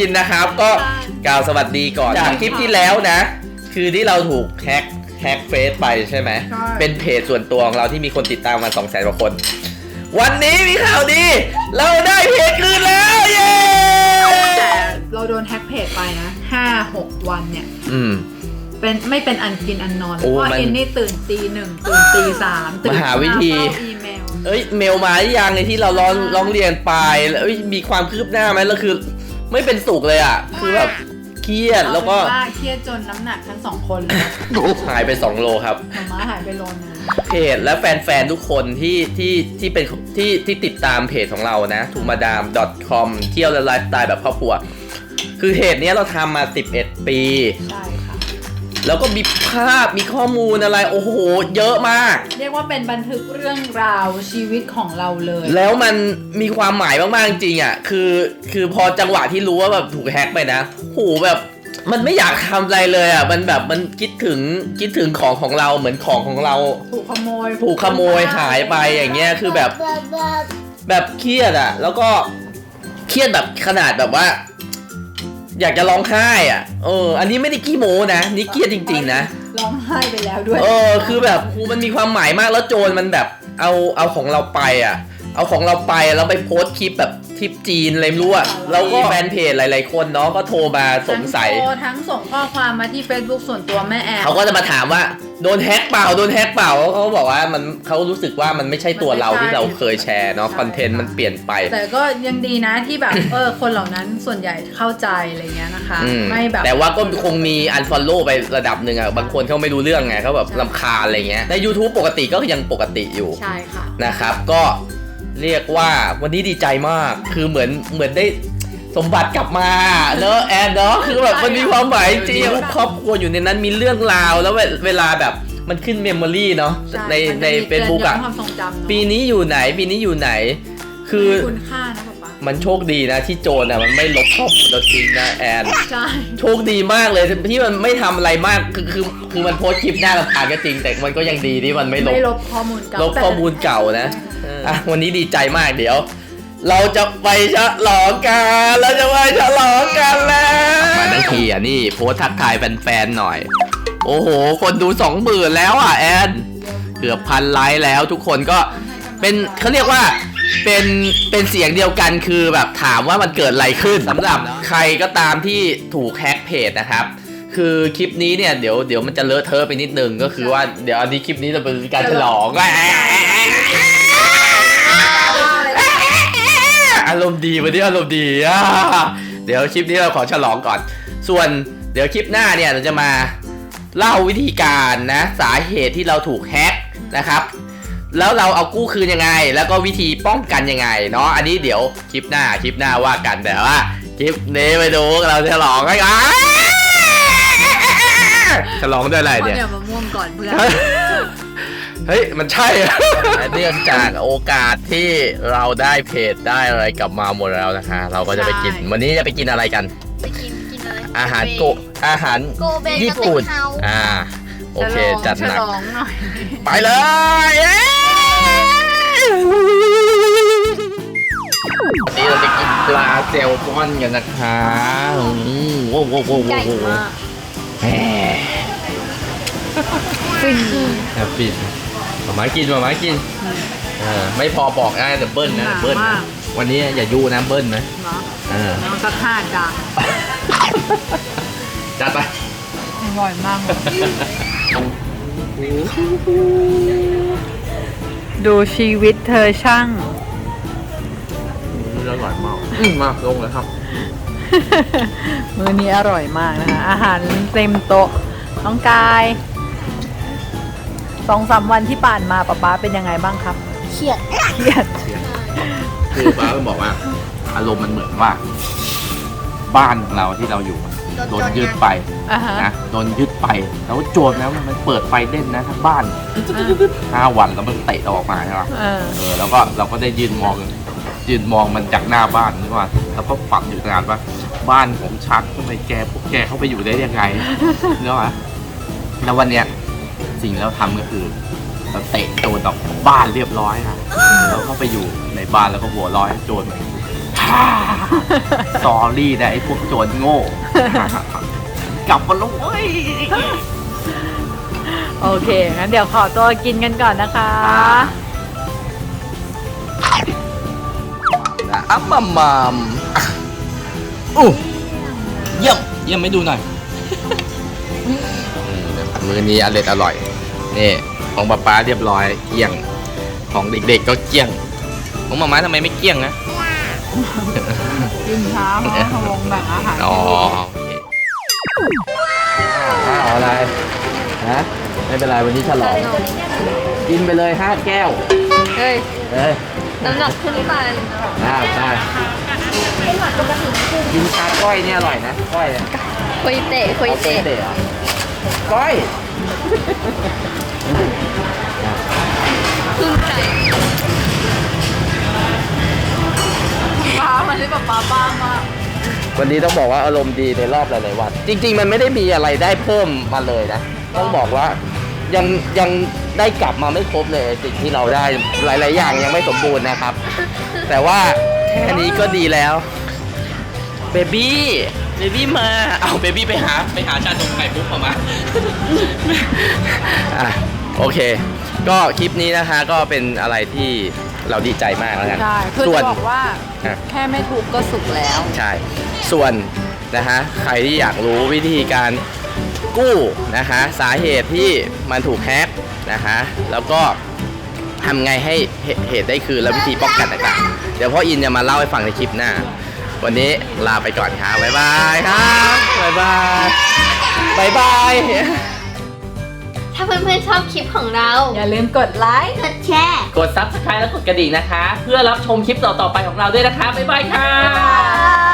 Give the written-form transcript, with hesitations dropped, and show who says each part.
Speaker 1: นนะครับก็กล่าวสวัสดีก่อนจากคลิปที่แล้วนะคือที่เราถูกแฮกเฟซไปใช่ไหมเป็นเพจส่วนตัวของเราที่มีคนติดตามมา 200,000 กว่าคนวันนี้มีข่าวดีเราได้เพจคืนแล้วเย้
Speaker 2: แต่เราโดนแฮ็กเพจไปนะ5-6 วันเนี่ยไม่เป็นอันกินอันนอนเพราะว่าเอ็นนี่ตื่นตี 1ตื่นตี 3ตื่น
Speaker 1: มาหาวิธีเมลมาหรือยังในที่เราร้องเรียนไปแล้วมีความคืบหน้าไหมแล้วคือไม่เป็นสุขเลยอ่ะคือแบบเครียดแล้วก็
Speaker 2: เครียดจนน้ำหนักทั้ง2 คนเลย
Speaker 1: หายไป2 โลครับ
Speaker 2: ม้าหายไปโลนึง
Speaker 1: เพจและแฟนๆทุกคนที่เป็นที่ติดตามเพจของเรานะ tumadam.com เที่ยวและไลฟ์สไตล์แบบครอบครัวคือเพจนี้เราทำมา11 ปี
Speaker 2: ใช่ค่ะ
Speaker 1: แล้วก็มีภาพมีข้อมูลอะไรโอ้โหเยอะมาก
Speaker 2: เรียกว่าเป็นบันทึกเรื่องราวชีวิตของเราเลย
Speaker 1: แล้วมันมีความหมายมากๆจริงอ่ะคือพอจังหวะที่รู้ว่าแบบถูกแฮกไปนะโหแบบมันไม่อยากทำอะไรเลยอ่ะมันแบบมันคิดถึงของเราเหมือนของเรา
Speaker 2: ถูกขโมย
Speaker 1: หายไปอย่างเงี้ยคือแบบเครียดอ่ะแล้วก็เครียดแบบขนาดแบบว่าอยากจะร้องไห้อ่ะอันนี้ไม่ได้ขี้โม้นะนี่เครียดจริงๆนะ
Speaker 2: ร้องไห้ไปแล้วด้วย
Speaker 1: คือแบบมันมีความหมายมากแล้วโจรมันแบบเอาของเราไปอ่ะเอาของเราไปแล้วไปโพสต์คลิปแบบทริปจีนอะไรไม่รู้อ่ะแล้วก็แฟนเพจหลายๆคนเนาะก็โทรมาสงสัย
Speaker 2: ทั้งส่งข้อความมาที่ Facebook ส่วนตัวแม่แอ
Speaker 1: เขาก็จะมาถามว่าโดนแฮกเปล่าเขาบอกว่าเขารู้สึกว่ามันไม่ใช่ตัวเราที่เราเคยแชร์เนาะคอนเทนต์มันเปลี่ยนไป
Speaker 2: แต่ก็ยังดีนะที่แบบคนเหล่านั้นส่วนใหญ่เข้าใจอะไรเงี้ยนะคะไม่แบบ
Speaker 1: แต่ว่าก็คงมี unfollow ไประดับหนึ่งอ่ะบางคนเขาไม่รู้เรื่องไงเขาแบบรำคาญอะไรเงี้ยใน YouTube ปกติก็ยังปกติอยู่
Speaker 2: ใช่ค่ะ
Speaker 1: นะครับก็เรียกว่าวันนี้ดีใจมากคือเหมือนได้สมบัติกลับมาเนอะแอนเนาะคือแบบมันมีความหมายจริงครอบครัวอยู่ในนั้นมีเรื่องราวแล้วเวลาแบบมันขึ้นเมมโมรี่เนาะใน Facebook อ่ะปีนี้อยู่ไหนคือ
Speaker 2: คุณค่านะป๊า
Speaker 1: มันโชคดีนะที่โจรอ่ะมันไม่ลบข้อมูลเราจริงนะแอน
Speaker 2: ใช่
Speaker 1: โชคดีมากเลยที่มันไม่ทำอะไรมากคือมันโพสต์คลิปหน้ารำคาญก็จริงแต่มันก็ยังดีที่มันไม่ลบ
Speaker 2: ข้อมูล
Speaker 1: เก่านะวันนี้ดีใจมากเดี๋ยวเราจะไปฉลองกันแล้วมาทั้งทีอ่ะนี่โพสต์ทักทายแฟนๆหน่อยโอ้โหคนดู 20,000 แล้วอ่ะแอนเกือบ1,000 ไลค์แล้วทุกคนก็เป็นเขาเรียกว่าเป็นเสียงเดียวกันคือแบบถามว่ามันเกิดอะไรขึ้นสำหรับใครก็ตามที่ถูกแฮกเพจนะครับคือคลิปนี้เนี่ยเดี๋ยวมันจะเลอะเทอะไปนิดนึงก็คือว่าเดี๋ยวอันนี้คลิปนี้จะเป็นการฉลองอารมณ์ดีวันนี้อารมณ์ดีเดี๋ยวคลิปนี้เราขอฉลองก่อนส่วนเดี๋ยวคลิปหน้าเนี่ยเราจะมาเล่าวิธีการนะสาเหตุที่เราถูกแฮกนะครับแล้วเราเอากู้คืนยังไงแล้วก็วิธีป้องกันยังไงเนาะอันนี้เดี๋ยวคลิปหน้าว่ากันแต่ว่าคลิปนี้ไปดูเราฉลองกันฉลองด้วยอะไรเนี่ย
Speaker 2: เดี๋ยวมาม่วงก่อนเพื่อน
Speaker 1: เฮ้ยมันใช่เนื่องจากโอกาสที่เราได้เพจได้อะไรกลับมาหมดแล้วนะคะเราก็จะไปกินวันนี้จะไปกินอะไรกัน
Speaker 3: ไปกินอะไร
Speaker 1: อาหารญี่ปุ่นโอเคจัดหนักไปเลยนี่เราจะกินปลาแซลมอนกันนะคะว้าว
Speaker 3: ใหญ่มาก
Speaker 1: ฟินมากินไม่พอบอกนะเดี๋ยวเบิ้ลนะวันนี้อย่ายูนะเบิ้ลนะ
Speaker 2: น้องสัก5 จาน
Speaker 1: จัดไป
Speaker 2: อร่อยมากดูชีวิตเธอช่าง
Speaker 1: อร่อยมากมาลงเลยครับ
Speaker 2: มื้อนี้อร่อยมากนะคะอาหารเต็มโต๊ะน้องกาย2-3 วันที่ผ่านมาป๊าเป็นยังไงบ้างครับ
Speaker 3: เครียด
Speaker 1: คือป้าบอกว่าอารมณ์มันเหมือนว่าบ้านของเราที่เราอยู่โดนยึดไปนะโดนยึดไปแล้วโจรแล้วมันเปิดไฟเล่นนะทั้งบ้าน5 วันแล้วมันเตะออกมาใช่ไหมแล้วก็เราก็ได้ยืนมองมันจากหน้าบ้านนี่ว่าแล้วก็ฝันอยู่นานว่าบ้านของชักทำไมพวกแกเข้าไปอยู่ได้ยังไงเนอะแล้ววันเนี้ยสิ่งที่เราทำก็คือเราเตะโจรออกจากบ้านเรียบร้อยนะแล้วก็ไปอยู่ในบ้านแล้วก็หัวร้อยโจรสอรี่นะไอ้พวกโจรโง่ กลับมาแล้วเว้ย
Speaker 2: โอเค งั้นเดี๋ยวขอตัวกินกันก่อนนะคะ
Speaker 1: อัมมัมมัมอู้เยี่ยมเยี่ยมไม่ดูหน่อยมื้อนี้อร่อย นี่ของป๊าเรียบร้อยเกลี้ยง ของเด็กๆก็เกลี้ยง ของมาม่าทำไมไม่เกลี้ยงนะ
Speaker 2: กินช้าเพราะทวงแบ่งอาหาร
Speaker 1: อ๋อโอเคข้าวอะไรฮะไม่เป็นไรวันนี้ฉลองกินไปเลย5 แก้ว
Speaker 3: เฮ้ย
Speaker 1: เอ้ย
Speaker 3: น้ำหนักขึ้นไป
Speaker 1: ได้กินปลาก้อยเนี่ยอร่อยนะก้อยเนี่ย
Speaker 3: คุยเตะคุยเตะ
Speaker 1: เตะก้อย
Speaker 3: ขึ้นใจ
Speaker 2: ป้ามันได้แบบป้าบ้ามาก
Speaker 1: วันนี้ต้องบอกว่าอารมณ์ดีในรอบหลายๆวัน จริงๆมันไม่ได้มีอะไรได้เพิ่มมาเลยนะ ต้องบอกว่ายังได้กลับมาไม่ครบเลยสิ่งที่เราได้หลายๆอย่างยังไม่สมบูรณ์นะครับ แต่ว่าแค่นี้ก็ดีแล้วเบบี้มาเอาเบบี้ไปหาชาตรงไข่ปุ๊บออกมา อ่ะโอเค ก็คลิปนี้นะคะก็เป็นอะไรที่เราดีใจมากแล้วกัน
Speaker 2: ใช่คือ
Speaker 1: ส่วน
Speaker 2: จะบอกว่า
Speaker 1: อ่ะ
Speaker 2: แค่ไม่ทุบก็สุกแล้ว
Speaker 1: ใช่ ส่วนนะฮะใครที่อยากรู้วิธีการกู้นะฮะสาเหตุที่มันถูกแฮกนะฮะแล้วก็ทำไงให้เหตุได้คืนและวิธีป้องกันต่างๆเดี๋ยวพ่ออินจะมาเล่าให้ฟังในคลิปหน้า วันนี้ลาไปก่อนครับบ๊ายบายครับบ๊ายบายบ๊ายบาย
Speaker 3: ถ้าเพื่อนๆชอบคลิปของเรา
Speaker 2: อย่าลืมกดไลค์
Speaker 3: กดแชร์
Speaker 1: กด Subscribe และกดกระดิ่งนะคะ เพื่อรับชมคลิปต่อๆไปของเราด้วยนะคะบ๊ายบายค่ะ
Speaker 3: บ๊ายบาย